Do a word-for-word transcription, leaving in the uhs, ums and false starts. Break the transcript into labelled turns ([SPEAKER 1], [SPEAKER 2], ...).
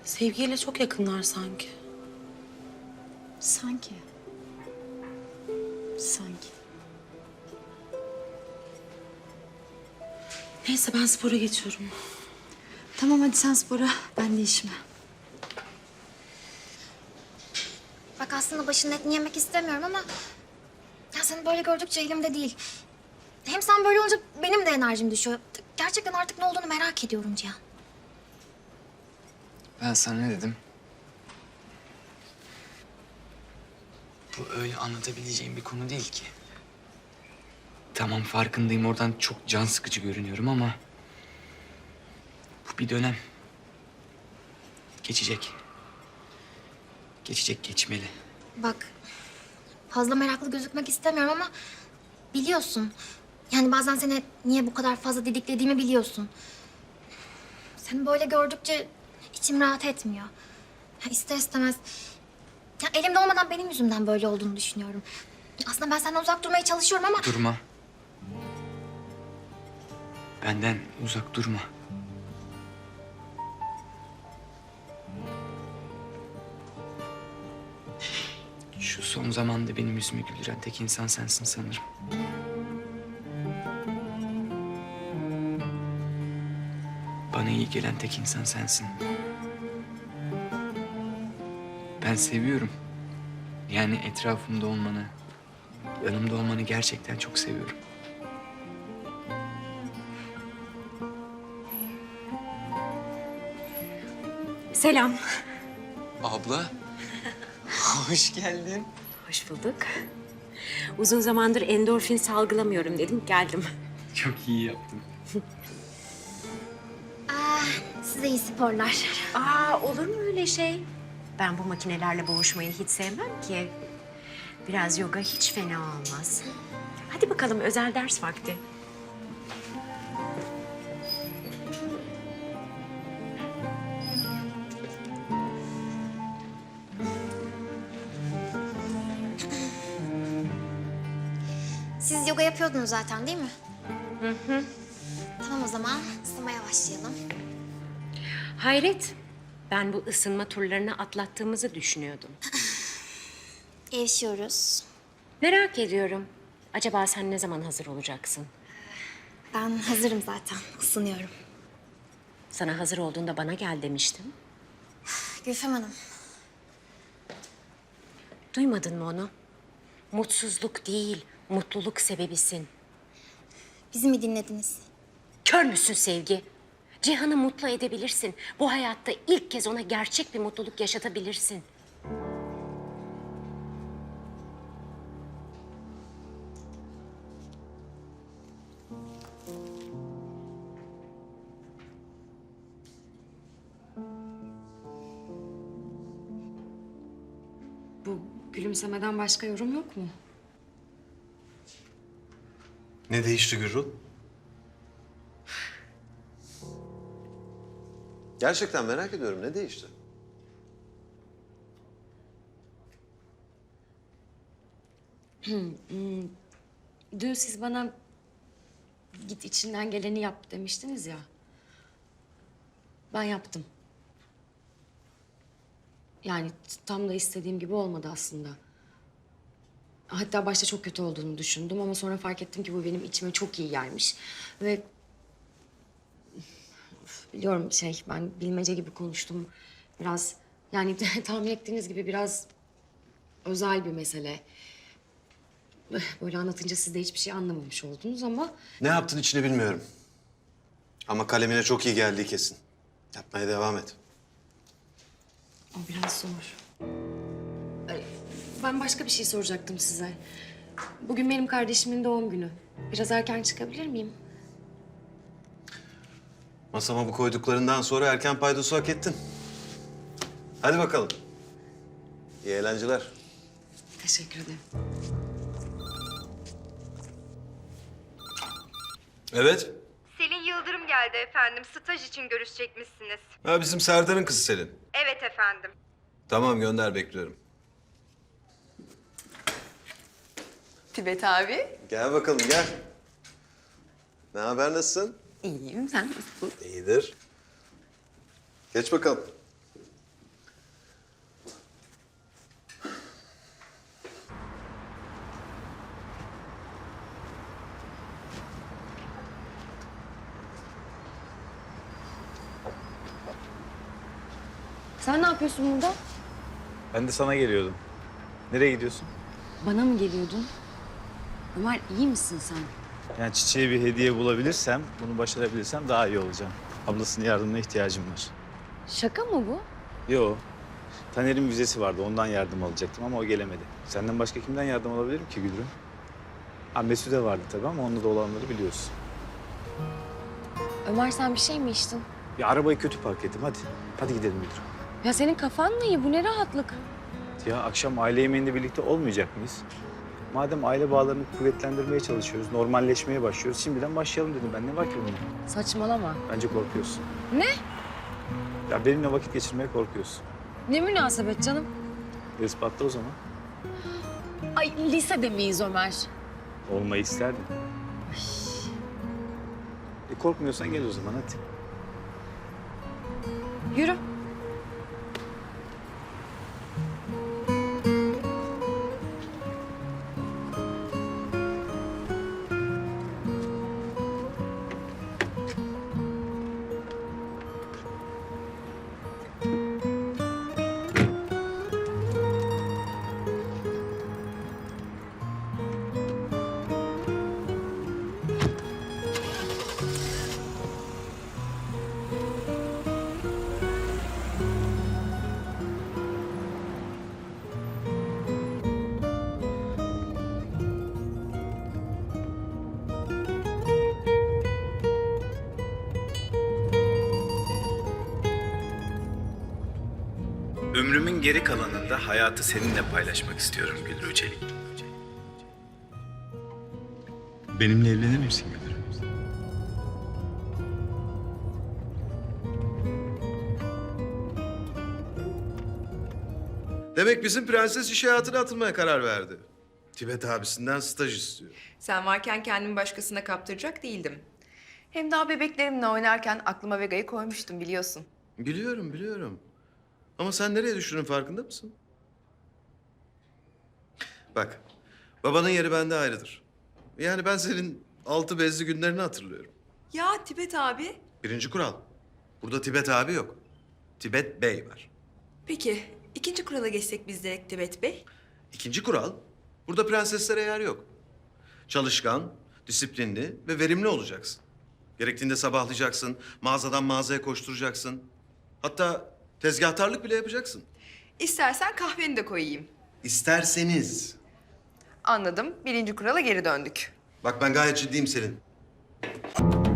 [SPEAKER 1] Sevgiyle çok yakınlar sanki.
[SPEAKER 2] Sanki. Sanki.
[SPEAKER 1] Neyse ben spora geçiyorum.
[SPEAKER 2] Tamam hadi sen spora, ben de işime.
[SPEAKER 3] Bak aslında başının etini yemek istemiyorum ama... ...ya seni böyle gördükçe elimde değil. Hem sen böyle olunca benim de enerjim düşüyor. Gerçekten artık ne olduğunu merak ediyorum Cihan.
[SPEAKER 4] Ben sana ne dedim? Bu öyle anlatabileceğim bir konu değil ki. Tamam farkındayım, oradan çok can sıkıcı görünüyorum ama... ...bu bir dönem. Geçecek. Geçecek, geçmeli.
[SPEAKER 3] Bak fazla meraklı gözükmek istemiyorum ama... ...biliyorsun. Yani bazen seni niye bu kadar fazla didiklediğimi biliyorsun. Seni böyle gördükçe içim rahat etmiyor. Ya ister istemez... Ya elimde olmadan benim yüzümden böyle olduğunu düşünüyorum. Aslında ben senden uzak durmaya çalışıyorum ama...
[SPEAKER 4] Durma. Benden uzak durma. Şu son zamanda benim yüzümü güldüren tek insan sensin sanırım. Bana iyi gelen tek insan sensin. Ben seviyorum. Yani etrafımda olmanı, yanımda olmanı gerçekten çok seviyorum.
[SPEAKER 5] Selam.
[SPEAKER 4] Abla, hoş geldin.
[SPEAKER 5] Hoş bulduk. Uzun zamandır endorfin salgılamıyorum dedim, geldim.
[SPEAKER 4] Çok iyi yaptın.
[SPEAKER 3] Aa, size iyi sporlar.
[SPEAKER 5] Aa, olur mu öyle şey? Ben bu makinelerle boğuşmayı hiç sevmem ki. Biraz yoga hiç fena olmaz. Hadi bakalım, özel ders vakti.
[SPEAKER 3] Siz yoga yapıyordunuz zaten değil mi? Hı hı. Tamam o zaman ısınmaya başlayalım.
[SPEAKER 5] Hayret, ben bu ısınma turlarını atlattığımızı düşünüyordum.
[SPEAKER 3] Gevşiyoruz.
[SPEAKER 5] Merak ediyorum. Acaba sen ne zaman hazır olacaksın?
[SPEAKER 3] Ben hazırım zaten. Isınıyorum.
[SPEAKER 5] Sana hazır olduğunda bana gel demiştim.
[SPEAKER 3] Gülfem Hanım.
[SPEAKER 5] Duymadın mı onu? Mutsuzluk değil, mutluluk sebebisin.
[SPEAKER 3] Bizi mi dinlediniz?
[SPEAKER 5] Kör müsün Sevgi? Cihan'ı mutlu edebilirsin. Bu hayatta ilk kez ona gerçek bir mutluluk yaşatabilirsin.
[SPEAKER 2] Bu gülümsemeden başka yorum yok mu?
[SPEAKER 6] Ne değişti Gürül? Gerçekten merak ediyorum. Ne değişti?
[SPEAKER 2] Dün siz bana git içinden geleni yap demiştiniz ya. Ben yaptım. Yani tam da istediğim gibi olmadı aslında. Hatta başta çok kötü olduğunu düşündüm ama sonra fark ettim ki bu benim içime çok iyi gelmiş. Ve Üf, biliyorum şey ben bilmece gibi konuştum. Biraz yani tahmin ettiğiniz gibi biraz özel bir mesele. Böyle anlatınca siz de hiçbir şey anlamamış oldunuz ama...
[SPEAKER 6] Ne yaptın içini bilmiyorum. Ama kalemine çok iyi geldiği kesin. Yapmaya devam et.
[SPEAKER 2] O biraz zor. Ay, ben başka bir şey soracaktım size. Bugün benim kardeşimin doğum günü. Biraz erken çıkabilir miyim?
[SPEAKER 6] Masama bu koyduklarından sonra erken paydosu hak ettin. Hadi bakalım. İyi eğlenceler.
[SPEAKER 2] Teşekkür ederim.
[SPEAKER 6] Evet.
[SPEAKER 7] Selin Yıldırım geldi efendim. Staj için görüşecekmişsiniz.
[SPEAKER 6] Ha, bizim Serdar'ın kızı Selin.
[SPEAKER 7] Evet efendim.
[SPEAKER 6] Tamam gönder, bekliyorum.
[SPEAKER 8] Tibet abi.
[SPEAKER 6] Gel bakalım gel. Ne haber, nasılsın?
[SPEAKER 8] İyiyim, sen nasılsın?
[SPEAKER 6] İyidir. Geç bakalım.
[SPEAKER 2] Sen ne yapıyorsun burada?
[SPEAKER 9] Ben de sana geliyordum. Nereye gidiyorsun?
[SPEAKER 2] Bana mı geliyordun? Ömer iyi misin sen?
[SPEAKER 9] Yani çiçeğe bir hediye bulabilirsem, bunu başarabilirsem daha iyi olacağım. Ablasının yardımına ihtiyacım var.
[SPEAKER 2] Şaka mı bu?
[SPEAKER 9] Yo. Taner'in vizesi vardı, ondan yardım alacaktım ama o gelemedi. Senden başka kimden yardım alabilirim ki Gülrüm? Ha Mesude vardı tabii ama onunla da olanları biliyorsun.
[SPEAKER 2] Ömer sen bir şey mi içtin?
[SPEAKER 9] Bir arabayı kötü park ettim, hadi. Hadi gidelim Gülrüm.
[SPEAKER 2] Ya senin kafan mı iyi? Bu ne rahatlık?
[SPEAKER 9] Ya akşam aile yemeğinde birlikte olmayacak mıyız? Madem aile bağlarını kuvvetlendirmeye çalışıyoruz, normalleşmeye başlıyoruz, şimdiden başlayalım dedim ben. Ne var ki bunda?
[SPEAKER 2] Saçmalama.
[SPEAKER 9] Bence korkuyorsun.
[SPEAKER 2] Ne?
[SPEAKER 9] Ya benimle vakit geçirmeye korkuyorsun.
[SPEAKER 2] Ne münasebet canım?
[SPEAKER 9] İspatla o zaman.
[SPEAKER 2] Ay lisede miyiz Ömer?
[SPEAKER 9] Olmayı isterdim. E korkmuyorsan gel o zaman hadi.
[SPEAKER 2] Yürü.
[SPEAKER 9] Ömrümün geri kalanında hayatı seninle paylaşmak istiyorum Gülru Çelik. Benimle evlenir misin Gülru?
[SPEAKER 6] Demek bizim prenses iş hayatına atılmaya karar verdi. Tibet abisinden staj istiyor.
[SPEAKER 8] Sen varken kendimi başkasına kaptıracak değildim. Hem daha bebeklerimle oynarken aklıma Vega'yı koymuştum biliyorsun.
[SPEAKER 6] Biliyorum, biliyorum. Ama sen nereye düştüğünün farkında mısın? Bak, babanın yeri bende ayrıdır. Yani ben senin altı bezli günlerini hatırlıyorum.
[SPEAKER 8] Ya Tibet abi.
[SPEAKER 6] Birinci kural, burada Tibet abi yok. Tibet Bey var.
[SPEAKER 8] Peki ikinci kurala geçsek biz de Tibet Bey.
[SPEAKER 6] İkinci kural, burada prenseslere yer yok. Çalışkan, disiplinli ve verimli olacaksın. Gerektiğinde sabahlayacaksın, mağazadan mağazaya koşturacaksın. Hatta tezgahtarlık bile yapacaksın.
[SPEAKER 8] İstersen kahveni de koyayım.
[SPEAKER 6] İsterseniz.
[SPEAKER 8] Anladım. Birinci kurala geri döndük.
[SPEAKER 6] Bak ben gayet ciddiyim senin.